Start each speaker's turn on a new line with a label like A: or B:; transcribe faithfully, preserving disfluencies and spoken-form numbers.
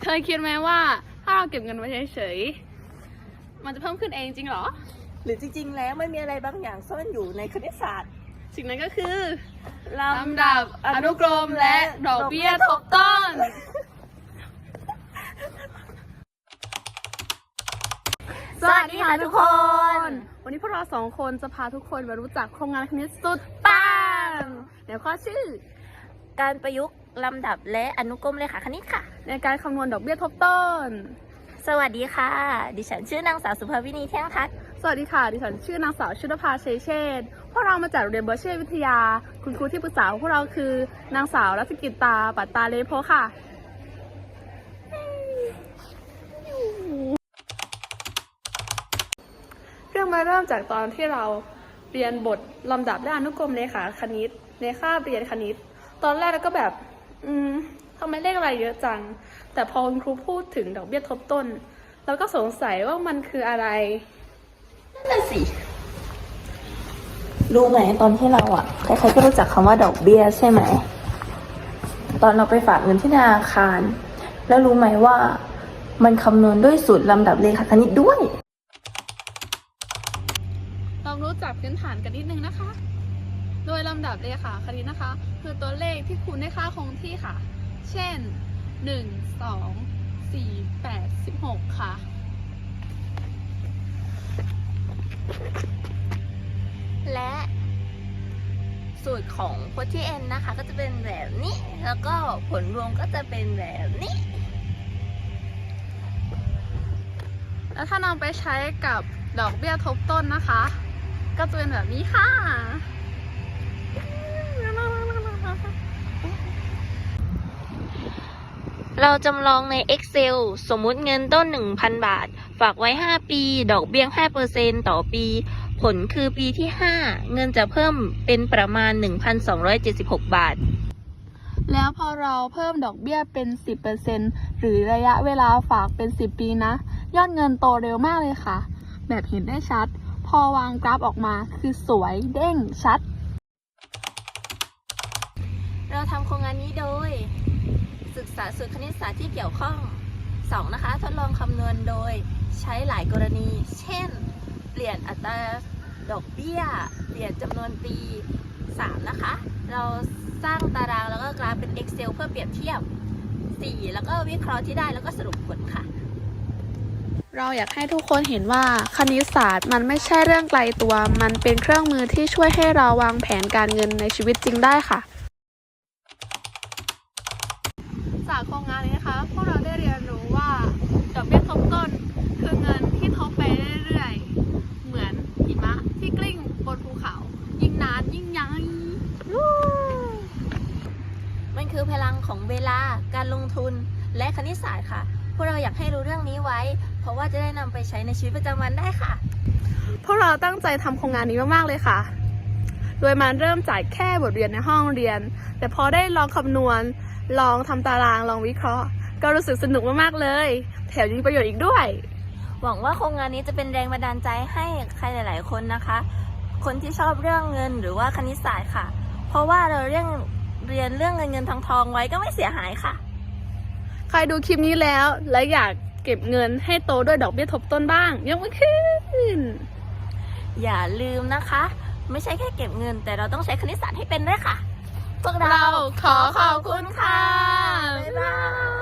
A: เคยคิดไหมว่าถ้าเราเก็บเงินไว้เฉยๆมันจะเพิ่มขึ้นเองจริงเหรอ
B: หรือจริงๆแล้วไม่มีอะไรบางอย่างซ่อนอยู่ในคณิตศาสตร์
A: สิ่งนั้นก็คือ
B: ล
A: ำดับอนุกรมและดอกเบี้ยทบต้น
B: สวัสดีค่ะทุกคน
A: วันนี้พวกเราสองคนจะพาทุกคนมารู้จักโครงงานคณิตสุดปังเดี๋ยวข้อชื่อ
B: การประยุกต์ลำดับและอนุกรมเลขาคณิตค่ะ
A: ในการคำนวณดอกเบี้ยทบต้น
B: สวัสดีค่ะดิฉันชื่อนางสาวสุภาวินีเที่ยงทัศน์
A: สวัสดีค่ะดิฉันชื่อนางสาวชุดภาเชยเชษฐ์พวกเรามาจากโรงเรียนเบอร์เช่วิทยาคุณครูที่ปรึกษาของพวกเราคือนางสาวรัศกิตตาปัตตาเลโพค่ะเรื่องมาเริ่มจากตอนที่เราเรียนบทลำดับและอนุกรมเลขาคณิตในคาบเรียนคณิตตอนแรกเราก็แบบอืมทำไมเลขอะไรเยอะจังแต่พอคุณครูพูดถึงดอกเบี้ยทบต้นเราก็สงสัยว่ามันคืออะไร
B: นั่นสิรู้ไหมตอนที่เราอ่ะใครๆก็รู้จักคำว่าดอกเบี้ยใช่ไหมตอนเราไปฝากเงินที่ธนาคารแล้วรู้ไหมว่ามันคำนวณด้วยสูตรลำดับเลขาคณิตด้วย
A: ลองรู้จักพื้นฐานกันนิดนึงนะคะโดยลำดับเลขาคณิตนะคะคือตัวเลขที่คูณด้วยค่าคงที่ค่ะเช่นหนึ่ง สอง สี่ แปด สิบหกค่ะ
B: และสูตรของโพธิเอ็นนะคะก็จะเป็นแบบนี้แล้วก็ผลรวมก็จะเป็นแบบนี้
A: แล้วถ้านำไปใช้กับดอกเบี้ยทบต้นนะคะก็จะเป็นแบบนี้ค่ะ
B: เราจำลองใน Excel สมมุติเงินต้น หนึ่งพัน บาทฝากไว้ห้าปีดอกเบี้ย ห้าเปอร์เซ็นต์ ต่อปีผลคือปีที่ห้าเงินจะเพิ่มเป็นประมาณ หนึ่งพันสองร้อยเจ็ดสิบหก บาท
A: แล้วพอเราเพิ่มดอกเบี้ยเป็น สิบเปอร์เซ็นต์ หรือระยะเวลาฝากเป็นสิบปีนะยอดเงินโตเร็วมากเลยค่ะแบบเห็นได้ชัดพอวางกราฟออกมาคือสวยเด้งชัด
B: เราทำโครงงานนี้โดยศึกษาสูตรคณิตศาสตร์ที่เกี่ยวข้องสองนะคะทดลองคำนวณโดยใช้หลายกรณีเช่นเปลี่ยนอัตราดอกเบี้ยเปลี่ยนจำนวนปีสามนะคะเราสร้างตารางแล้วก็กราฟเป็น Excel เพื่อเปรียบเทียบสี่แล้วก็วิเคราะห์ที่ได้แล้วก็สรุปผลค่ะ
A: เราอยากให้ทุกคนเห็นว่าคณิตศาสตร์มันไม่ใช่เรื่องไกลตัวมันเป็นเครื่องมือที่ช่วยให้เราวางแผนการเงินในชีวิตจริงได้ค่ะจากโครงงานนี้นะคะพวกเราได้เรียนรู้ว่าดอกเบี้ยทบต้นคือเงินที่ทบไปเรื่อยๆเหมือนหิมะที่กลิ้งบนภูเขายิ่งนานยิ่งใหญ่
B: มันคือพลังของเวลาการลงทุนและคณิตศาสตร์ค่ะพวกเราอยากให้รู้เรื่องนี้ไว้เพราะว่าจะได้นำไปใช้ในชีวิตประจำวันได้ค่ะ
A: พวกเราตั้งใจทำโครงงานนี้มากๆเลยค่ะโดยมันเริ่มจากแค่บทเรียนในห้องเรียนแต่พอได้ลองคำนวณลองทำตารางลองวิเคราะห์ก็รู้สึกสนุกมากๆเลยแถมยังมีประโยชน์อีกด้วย
B: หวังว่าโครงงานนี้จะเป็นแรงบันดาลใจให้ใครหลายๆคนนะคะคนที่ชอบเรื่องเงินหรือว่าคณิตศาสตร์ค่ะเพราะว่าเราเรียนเรียนเรื่องเงินเงินทองทองไว้ก็ไม่เสียหายค่ะ
A: ใครดูคลิปนี้แล้วและอยากเก็บเงินให้โตด้วยดอกเบี้ยทบต้นบ้างยกมือขึ้น
B: อย่าลืมนะคะไม่ใช่แค่เก็บเงินแต่เราต้องใช้คณิตศาสตร์ให้เป็นด้วยค่ะพวกเรา
A: ขอขอบคุณค่ะ
B: บ๊ายบาย